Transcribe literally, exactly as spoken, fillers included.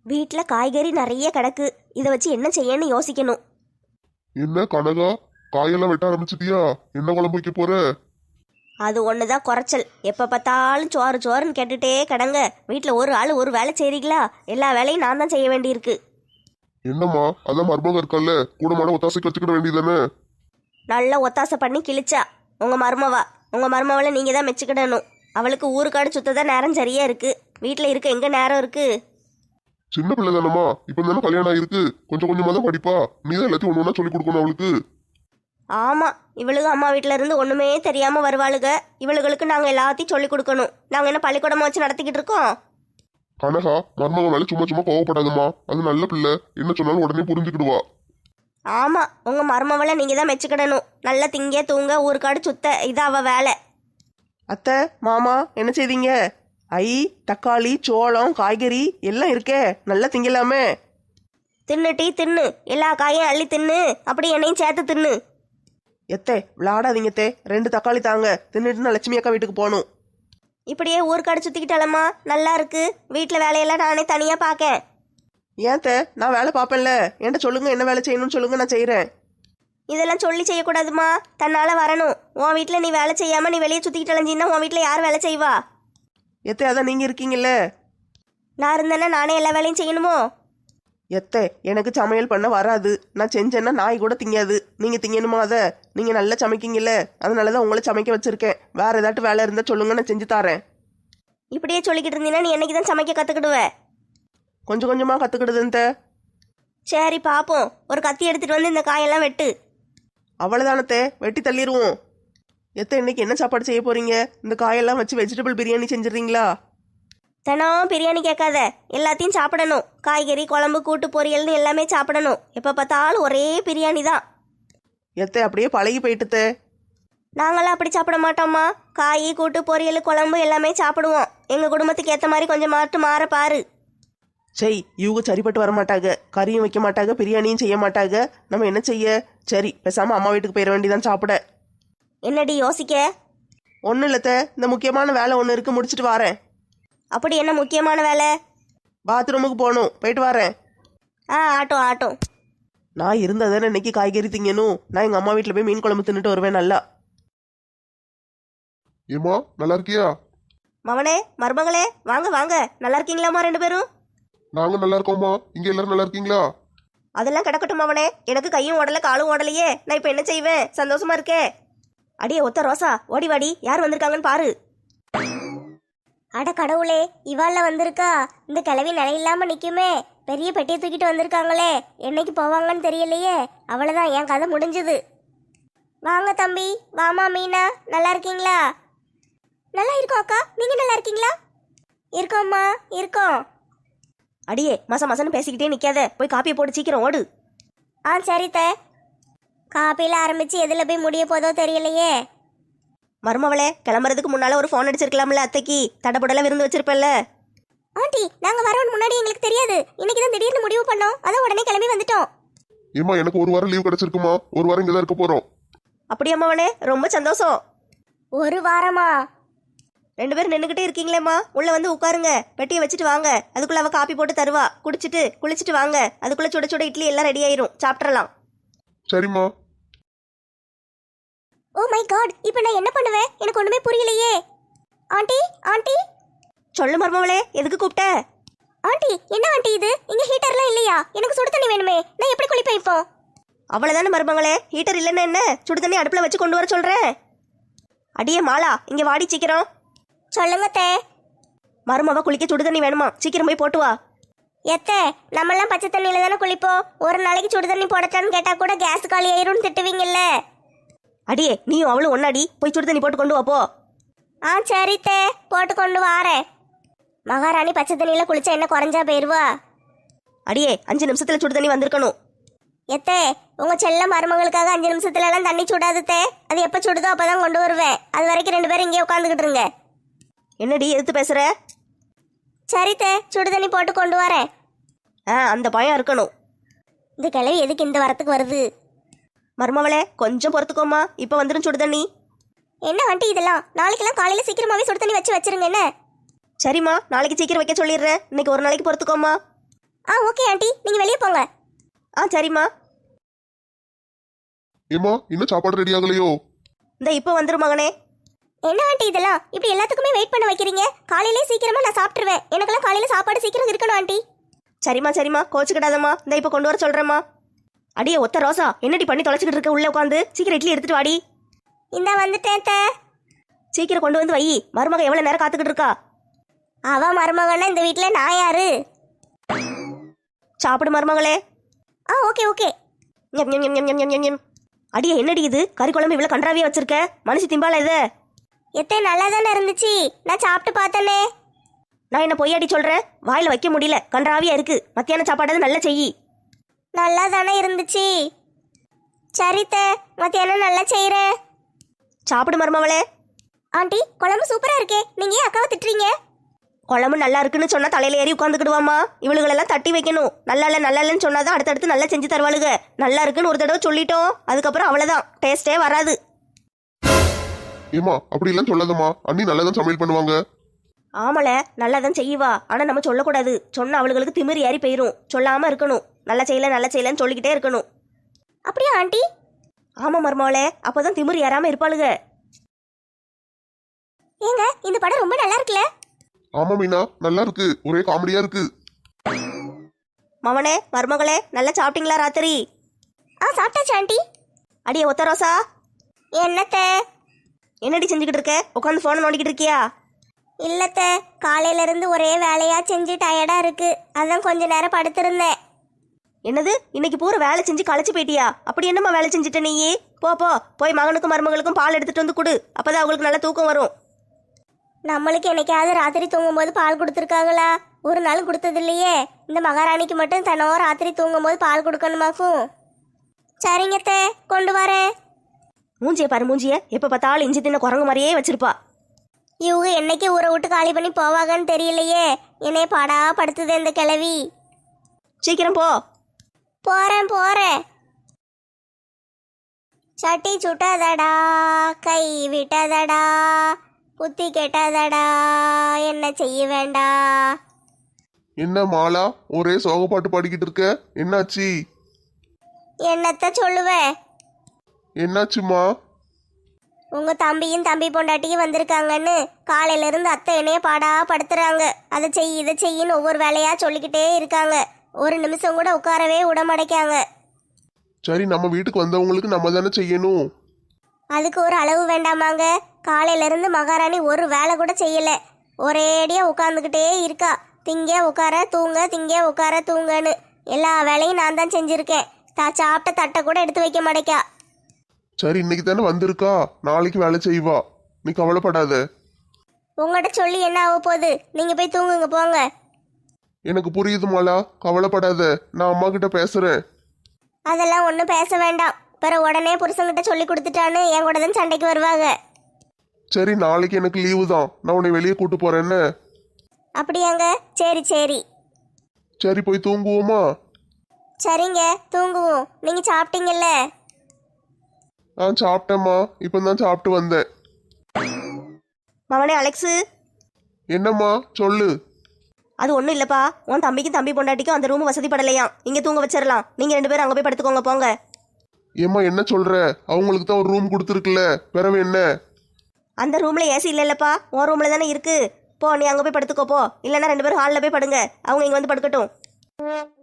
வீட்டில் காய்கறி நிறைய கிடக்கு. இதை வச்சு என்ன செய்யன்னு யோசிக்கணும். என்ன கனகா, காயெல்லாம் வெட்ட ஆரம்பிச்சிட்டியா? என்ன குழம்பு வைக்க போற? அது ஒன்று தான் குறைச்சல். எப்போ பார்த்தாலும் சோறு சோறுன்னு கேட்டுட்டே கிடங்க. வீட்டில் ஒரு ஆள் ஒரு வேலை செய்கிறீங்களா? எல்லா வேலையும் நான் தான் செய்ய வேண்டியிருக்கு. என்னம்மா, அதான் மருமக இருக்கல்ல, கூட மாட ஒத்தாசைக்கு வச்சுக்கிட வேண்டியதானே? நல்லா ஒத்தாசை பண்ணி கிழிச்சா உங்கள் மருமவா. உங்கள் மருமவளை நீங்கள் தான் மெச்சுக்கிடணும். அவளுக்கு ஊருக்காடு சுத்ததான் நேரம் சரியா இருக்கு. வீட்டில் இருக்க எங்கே நேரம் இருக்கு? சின்ன பிள்ளை தானம்மா, இப்ப தானே கல்யாணம் ஆயிருக்கு. கொஞ்சம் கொஞ்சமா தான் படிப்பா. நீ தான் எல்லாத்தையும் ஒன்று ஒன்றா சொல்லி கொடுக்கணும் அவளுக்கு. ஆமாம், இவளுக்கு அம்மா வீட்டில் இருந்து ஒன்றுமே தெரியாமல் வருவாளுக. இவளுகளுக்கு நாங்கள் எல்லாத்தையும் சொல்லி கொடுக்கணும். நாங்கள் என்ன பள்ளிக்கூடமா வச்சு நடத்திக்கிட்டு இருக்கோம்? கனகா, மருமக மேல சும்மா சும்மா கோவப்படாதம்மா. அது நல்ல பிள்ளை, என்ன சொன்னாலும் உடனே புரிஞ்சுக்கிடுவா. ஆமாம், உங்கள் மருமவளை நீங்கள் தான் மெச்சுக்கிடணும். நல்லா திங்க தூங்க ஊருக்காடு சுத்த, இது அவள் வேலை. அத்தை, மாமா என்ன செய்தீங்க? ஐ, தக்காளி, சோளம், காய்கறி எல்லாம் இருக்கே, நல்லா திங்கலாமே. தின்னு டீ தின்னு, எல்லா காயும் அள்ளி தின்னு, அப்படி என்னையும் சேர்த்து தின்னு. எத்தே விளாடாதீங்க தே, ரெண்டு தக்காளி தாங்க, தின்னுட்டு நான் லட்சுமி அக்கா வீட்டுக்கு போகணும். இப்படியே ஊருக்காடு சுற்றிக்கிட்டாலம்மா நல்லா இருக்கு. வீட்டில் வேலையெல்லாம் நானே தனியாக பார்க்கேன். ஏன் தே, நான் வேலை பார்ப்பேன்ல, என்கிட்ட சொல்லுங்க என்ன வேலை செய்யணும்னு சொல்லுங்க, நான் செய்கிறேன். இதெல்லாம் சொல்லி செய்யக்கூடாதுமா, தன்னால் வரணும். உன் வீட்டில் நீ வேலை செய்யாமல் நீ வெளியே சுற்றிக்கிட்டு அலைஞ்சின்னா உன் வீட்டில் யார் வேலை செய்வா? எத்தே, அதான் நீங்கள் இருக்கீங்கல்ல. நான் இருந்தேன்னா நானே எல்லா வேலையும் செய்யணுமோ? எத்தே, எனக்கு சமையல் பண்ண வராது. நான் செஞ்சேன்னா நாய் கூட திங்காது. நீங்கள் திங்கணுமா அதை? நீங்கள் நல்லா சமைக்கீங்கல்ல, அதனால தான் உங்களை சமைக்க வச்சுருக்கேன். வேறு ஏதாட்டும் வேலை இருந்தால் சொல்லுங்க, நான் செஞ்சு தரேன். இப்படியே சொல்லிக்கிட்டு இருந்தீங்கன்னா நீ என்னைக்கு தான் சமைக்க கற்றுக்கிடுவ? கொஞ்சம் கொஞ்சமாக கற்றுக்கிடுதுன்ட்ட. சரி பார்ப்போம். ஒரு கத்தி எடுத்துகிட்டு வந்து இந்த காயெல்லாம் வெட்டு. அவ்வளோதானத்தே, வெட்டி தள்ளிடுவோம். எத்த இன்னைக்கு என்ன சாப்பாடு செய்ய போறீங்க? இந்த காயெல்லாம் வச்சு வெஜிடபிள் பிரியாணி செஞ்சிடறீங்களா? தினம் பிரியாணி கேட்காத, எல்லாத்தையும் சாப்பிடணும். காய்கறி குழம்பு கூட்டு பொரியல்னு எல்லாமே சாப்பிடணும். எப்போ பார்த்தாலும் ஒரே பிரியாணி தான். எத்த அப்படியே பழகி போயிட்டுத்தே. நாங்களாம் அப்படி சாப்பிட மாட்டோம்மா. காய் கூட்டு பொரியல் குழம்பு எல்லாமே சாப்பிடுவோம். எங்கள் குடும்பத்துக்கு ஏற்ற மாதிரி கொஞ்சம் மாட்டு மாற பாரு. சரி, இவங்க சரிப்பட்டு வர மாட்டாங்க. கறியும் வைக்க மாட்டாங்க, பிரியாணியும் செய்ய மாட்டாங்க. நம்ம என்ன செய்ய? சரி, பேசாமல் அம்மா வீட்டுக்கு போயிட வேண்டியதான் சாப்பிட. என்னடி யோசிக்க? ஒன்றும் இல்லத்த, இந்த முக்கியமான வேலை ஒன்று இருக்கு, முடிச்சுட்டு வரேன். அப்படி என்ன முக்கியமான வேலை? பாத்ரூமுக்கு போகணும், போயிட்டு வரேன். ஆ ஆட்டும் ஆட்டும். நான் இருந்தால் தானே இன்னைக்கு காய்கறி திங்கணும். நான் எங்கள் அம்மா வீட்டில் போய் மீன் குழம்பு தின்னுட்டு வருவேன் நல்லா. ஏமா, நல்லா இருக்கியா? மவனே மருமகளே, வாங்க வாங்க. நல்லா இருக்கீங்களாம்மா ரெண்டு பேரும்? நாங்க நல்லா இருக்கோம்மா. இங்க எல்லாரும் நல்லா இருக்கீங்களா? அதெல்லாம் கிடக்கட்டும் மவனே. எனக்கு கையும் ஓடலை காலும் ஓடலையே. நான் இப்போ என்ன செய்வேன்? சந்தோஷமா இருக்கே. அடியே ஒத்த ரோசா, ஓடி வாடி. யார் வந்திருக்காங்கன்னு பாரு. அட கடவுளே, இவாள்ல வந்திருக்கா? இந்த கிளவி நிலையில்லாம நிக்குமே. பெரிய பெட்டியை தூக்கிட்டு வந்திருக்காங்களே, என்னைக்கு போவாங்கன்னு தெரியலையே. அவ்வளவுதான், என் கதை முடிஞ்சது. வாங்க தம்பி, வாமா மீனா, நல்லா இருக்கீங்களா? நல்லா இருக்கோம் அக்கா, நீங்க நல்லா இருக்கீங்களா? இருக்கோம்மா, இருக்கோம். அடியே மச மசன்னு பேசிக்கிட்டே நிக்காத, போய் காப்பியை போட்டு சீக்கிரம் ஓடு. ஆ சரித்த. காப்பியில் ஆரம்பிச்சு எதில் போய் முடிய போதோ தெரியலையே. மருமவளே, கிளம்புறதுக்கு முன்னால ஒரு ஃபோன் அடிச்சிருக்கலாம்ல அத்தைக்கு. தடபுடலாம் விருந்து வச்சிருப்பல்ல. ஆண்டி, நாங்கள் வரோன்னு முன்னாடி எங்களுக்கு தெரியாது. இன்னைக்கு தான் திடீர்னு முடிவு பண்ணோம், அதான் உடனே கிளம்பி வந்துட்டோம். ஏமா, எனக்கு ஒரு வாரம் லீவ் கிடைச்சிருக்குமா? ஒரு வாரம் இங்கே தான் இருக்க போறோம். அப்படியே அம்மாவனே, ரொம்ப சந்தோஷம். ஒரு வாரமா? ரெண்டு பேரும் நின்றுக்கிட்டே இருக்கீங்களேம்மா, உள்ள வந்து உட்காருங்க. பெட்டியை வச்சுட்டு வாங்க. அதுக்குள்ள அவ காப்பி போட்டு தருவா. குடிச்சிட்டு குளிச்சுட்டு வாங்க. அதுக்குள்ள சுட சுட இட்லி எல்லாம் ரெடி ஆயிரும், சாப்பிட்றலாம். சரிம்மா. ஓ மை காட், இப்போ நான் என்ன பண்ணுவேன்? எனக்கு ஒண்ணுமே புரியலையே. Aunty, aunty. சொல்லு மருமவளே, எதுக்கு கூப்பிட்ட? ஆண்டி, என்ன ஆண்டி இது? இங்க ஹீட்டர்லாம் இல்லையா? எனக்கு சுடு தண்ணி வேணுமே, நான் எப்படி குளிப்பேன் இப்போ? அவ்வளவுதானே மருமகளே, ஹீட்டர் இல்லைன்னா என்ன? சுடு தண்ணி அடுப்புல வச்சு கொண்டு வர சொல்றேன். அடியே மாலா, இங்க வாடி சீக்கிரம். சொல்லுங்க தே. மருமவ குளிக்க சுடு தண்ணி வேணுமா? சீக்கிரம் போய் போட்டு வா. எத்தே, நம்மெல்லாம் பச்சை தண்ணியில தானே குளிப்போம். ஒரு நாளைக்கு சுடு தண்ணி போடட்டான்னு கேட்டா கூட கேஸ் காலி ஆயிரும்னு திட்டுவீங்கல்ல. அடியே, நீயும் அவளும் ஒன்னாடி, போய் சுடு தண்ணி போட்டு கொண்டு வா போ. ஆ சரி தே, போட்டு கொண்டு வாரேன். மகாராணி பச்சை தண்ணியில குளிச்சா என்ன குறைஞ்சா போயிருவா? அடியே, அஞ்சு நிமிஷத்துல சுடு தண்ணி வந்திருக்கணும். எத்தே, உங்க செல்ல மருமகளுக்காக அஞ்சு நிமிஷத்துல எல்லாம் தண்ணி சுடாது தே. அது எப்ப சுடுதோ அப்பதான் கொண்டு வருவேன். அது வரைக்கும் ரெண்டு பேரும் இங்கே உட்காந்துக்கிட்டு இருங்க. என்னடி எதிர்த்து பேசுற? சரி தே, சுடு தண்ணி போட்டு கொண்டு வரேன். ஆ, அந்த பயம் இருக்கணும். இந்த கிழவி எதுக்கு இந்த வரத்துக்கு வருது? மருமவளே, கொஞ்சம் பொறுத்துக்கோமா, இப்ப வந்துடும் சுடு தண்ணி. என்ன வண்டி இதெல்லாம்? நாளைக்கெல்லாம் காலையில சீக்கிரமாவே சுடு தண்ணி வச்சு வச்சிருங்க என்ன? சரிம்மா, நாளைக்கு சீக்கிரம் வைக்க சொல்லிடுறேன். இன்னைக்கு ஒரு நாளைக்கு பொறுத்துக்கோமா. ஆ ஆ ஓகே ஆண்டி நீங்க வெளியே போங்க. ஆ சரிம்மா. ஏமா இன்னும் சாப்பாடு ரெடி ஆகலையோ? இந்த இப்போ வந்துரும் மகனே. என்ன ஆண்டி இதெல்லாம் இப்படி எல்லாத்துக்குமே வெயிட் பண்ண வைக்கிறீங்க? காலையிலே சீக்கிரமா நான் சாப்பிட்டுருவேன். எனக்கெல்லாம் காலையில சாப்பாடு சீக்கிரம் இருக்கணும் ஆண்டி. சரிம்மா சரிம்மா கோச்சுக்கிடாதம்மா. இந்த இப்போ கொண்டு வர சொல்றேம்மா. அடியே ஒத்த ரோசா, என்னடி பண்ணி தொலைச்சிக்கிட்டு இருக்க? உள்ள உட்காந்து சீக்கிரம் இட்லி எடுத்துட்டு வாடி. இந்த வந்துட்டேன் தே. சீக்கிரம் கொண்டு வந்து வை. மருமக எவ்வளவு நேரம் காத்துக்கிட்டு இருக்கா? அவ மருமகன்னா இந்த வீட்டில் நான் யாரு? சாப்பிடு மருமகளே. ஆ ஓகே ஓகே. ஞம், ஞம், ஞம், ஞம், ஞம், ஞம், ஞம். அடியே என்னடி இது கறி குழம்பு இவ்வளவு கன்றாவியா வச்சிருக்க? மனுஷி திம்பால இது. எத்தே நல்லா தானே இருந்துச்சு, நான் சாப்பிட்டு பார்த்தனே. நான் என்ன பொய்யாடி சொல்றேன்? வாயில வைக்க முடியல, கன்றாவியா இருக்கு. மத்தியான சாப்பாடு நல்லா செய்யி. நல்லா தானே இருந்துச்சு. சரித்தே, மத்தியானம் நல்லா செய்கிறேன். சாப்பிடு மருமவளே. ஆண்டி குழம்பு சூப்பரா இருக்கே, நீங்க ஏன் அக்காவை திட்டுறீங்க? குழம்பு நல்லா இருக்குன்னு சொன்னா தலையில ஏறி உட்காந்துக்கிடுவாமா. இவளுகளெல்லாம் தட்டி வைக்கணும். நல்லா இல்ல நல்லா இல்லைன்னு சொன்னாதான் அடுத்தடுத்து நல்லா செஞ்சு தருவாளுக. நல்லா இருக்குன்னு ஒரு தடவை சொல்லிட்டோம், அதுக்கப்புறம் அவ்வளவுதான், டேஸ்டே வராது. ஏமா அப்படி எல்லாம் சொல்லாதம்மா, அண்ணி நல்லா தான் சமையல் பண்ணுவாங்க. ஆமல நல்லா தான் செய்வா, ஆனா நம்ம சொல்லக்கூடாது. சொன்ன அவளுகளுக்கு திமிரு ஏறி போயிரும். சொல்லாம இருக்கணும். நல்லா செய்யல நல்லா செய்யலன்னு சொல்லிக்கிட்டே இருக்கணும். அப்படியா ஆண்டி? ஆமா மருமவளே, அப்பதான் திமிரு ஏறாம இருப்பாளுக. ஏங்க இந்த படம் ரொம்ப நல்லா இருக்குல்ல? ஆமா மீனா நல்லா இருக்கு, ஒரே காமெடியா இருக்கு. மவனே மருமகளே நல்லா சாப்பிட்டீங்களா ராத்திரி? ஆ சாப்பிட்டாச்சு ஆண்டி. அடியே ஒத்த ரோசா, என்னத்தே? என்னடி செஞ்சுக்கிட்டு இருக்க? உட்காந்து போனை நோண்டிக்கிட்டு இருக்கியா? இல்லத்த, காலையில இருந்து ஒரே வேலையா செஞ்சு டயர்டா இருக்கு, அதான் கொஞ்ச நேரம் படுத்திருந்தேன். என்னது இன்னைக்கு பூரா வேலை செஞ்சு களைச்சு போயிட்டியா? அப்படி என்னம்மா வேலை செஞ்சுட்ட நீ? போ போ போய் மகனுக்கும் மருமகளுக்கும் பால் எடுத்துட்டு வந்து கொடு, அப்பதான் அவங்களுக்கு நல்ல தூக்கம் வரும். நம்மளுக்கு என்னைக்காவது ராத்திரி தூங்கும்போது பால் கொடுத்துருக்காங்களா? ஒரு நாள் கொடுத்தது இல்லையே. இந்த மகாராணிக்கு மட்டும் தனோ ராத்திரி தூங்கும்போது பால் கொடுக்கணுமாக்கும். சரிங்கத்தே, கொண்டு வரேன். மூஞ்சிய பாரு மூஞ்சிய, எப்ப பார்த்தாலும் இஞ்சி தின்ன குரங்கு மாதிரியே வச்சிருப்பா. இவங்க என்னைக்கு ஊரை விட்டு காலி பண்ணி போவாங்கன்னு தெரியலையே. என்னைய பாடா படுத்துது இந்த கிழவி. சீக்கிரம் போ. போறேன் போறேன். சட்டி சுட்டதடா, கை விட்டதடா, புத்தி கெட்டதடா, என்ன செய்ய வேண்டா. என்ன மாலா ஒரே சோக பாட்டு பாடிக்கிட்டு இருக்க? என்னாச்சு? என்னத்த சொல்லுவேன்? என்னாச்சுமா? உங்க தம்பியும் தம்பி பொண்டாட்டியும் வந்திருக்காங்கன்னு காலையில இருந்து அத்தை என்னைய பாடா படுத்துறாங்க. அதை செய் இதை செய்யின்னு ஒவ்வொரு வேலையா சொல்லிக்கிட்டே இருக்காங்க. ஒரு நிமிஷம் கூட உட்காரவே விட மாட்டேக்காங்க. சரி நம்ம வீட்டுக்கு வந்தவங்களுக்கு நம்ம தானே செய்யணும். அதுக்கு ஒரு அளவு வேண்டாமாங்க? காலையில இருந்து மகாராணி ஒரு வேலை கூட செய்யல, ஒரேடியா உட்காந்துக்கிட்டே இருக்கா. திங்க உட்கார தூங்க, திங்க உட்கார தூங்கன்னு எல்லா வேலையும் நான் தான் செஞ்சிருக்கேன். தா சாப்பிட்ட தட்டை கூட எடுத்து வைக்க மாட்டேக்கா. சரி இன்னைக்கு தானே வந்திருக்கா, நாளைக்கு வேலை செய்வா, நீ கவலைப்படாத. உங்கள்கிட்ட சொல்லி என்ன ஆக போகுது? நீங்க போய் தூங்குங்க போங்க. எனக்கு புரியுது மாலா, கவலைப்படாத, நான் அம்மா கிட்ட பேசுறேன். அதெல்லாம் ஒன்றும் பேச வேண்டாம். பிறகு உடனே புருஷன்கிட்ட சொல்லி கொடுத்துட்டான்னு என் கூட தான் சண்டைக்கு வருவாங்க. சரி நாளைக்கு எனக்கு லீவு தான், நான் உன்னை வெளியே கூட்டு போறேன் என்ன? அப்படியாங்க? சரி சரி. சரி போய் தூங்குவோமா? சரிங்க தூங்குவோம். நீங்க சாப்பிட்டீங்கல்ல? நான் சாப்பிட்டேம்மா, இப்போ தான் சாப்பிட்டு வந்தேன். மவனே அலெக்ஸு. என்னம்மா சொல்லு. அது ஒன்றும் இல்லைப்பா, உன் தம்பிக்கும் தம்பி பொண்டாட்டிக்கும் அந்த ரூம் வசதிப்படலையாம். இங்கே தூங்க வச்சிடலாம். நீங்கள் ரெண்டு பேரும் அங்கே போய் படுத்துக்கோங்க போங்க. ஏம்மா என்ன சொல்ற? அவங்களுக்கு தான் ஒரு ரூம் கொடுத்துருக்குல்ல, பிறவு என்ன? அந்த ரூமில் ஏசி இல்லைல்லப்பா, உன் ரூமில் தானே இருக்கு. போ நீ அங்கே போய் படுத்துக்கோ போ. இல்லைன்னா ரெண்டு பேரும் ஹாலில் போய் படுங்க, அவங்க இங்கே வந்து படுக்கட்டும்.